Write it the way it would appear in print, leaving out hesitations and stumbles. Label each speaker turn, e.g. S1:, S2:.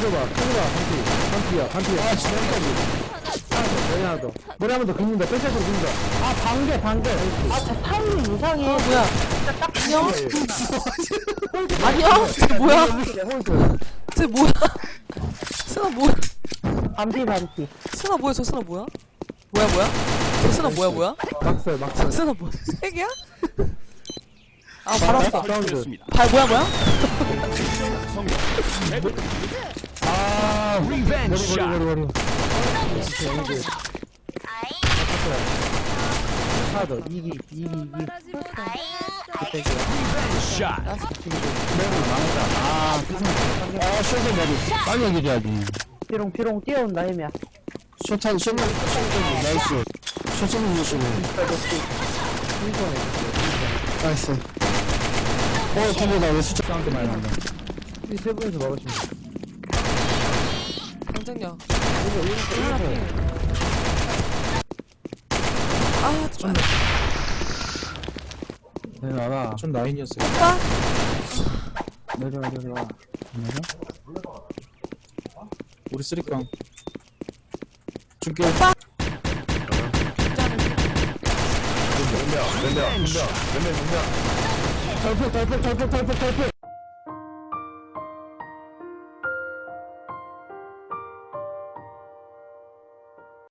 S1: 켜줘봐. 반피야. 아, 진짜 머리 하나 더. 머리 한 번 더 긁는다. 뺄짝으로 긁는다. 아, 반개.
S2: 아, 저 타이밍 이상해.
S3: 뭐야? 안녕?
S1: 홀드.
S3: 안녕? 쟤 뭐야?
S1: 홀드.
S3: 쟤 뭐야? 스나 뭐야?
S2: 반피.
S3: 스나 뭐야? 저 스나 뭐야? 뭐야? 저 스나 뭐야?
S1: 막살.
S3: 저 스나 뭐야? 핵이야? 아, 바로 왔어.
S1: 사운드.
S3: 발 뭐야?
S1: 아, 머리. 하나 더. 이기. 쇼트 머리. 빨리 얘기해야지.
S2: 피롱 뛰어온다, 힘이야.
S1: 쇼탄, 나이스. 쇼트는 유시네. 나이스. 템보다 왜 수적 사운드 많이 난다. 이 세 분이서 막으시면 돼.
S3: 당장야.
S1: 이거.
S3: 아, 좀.
S1: 내려와라. 전 라인이었어요.
S3: 오빠?
S1: 내려와. 내려? 우리 쓰리깡. 줄게.
S3: 오빠?
S1: 달팽.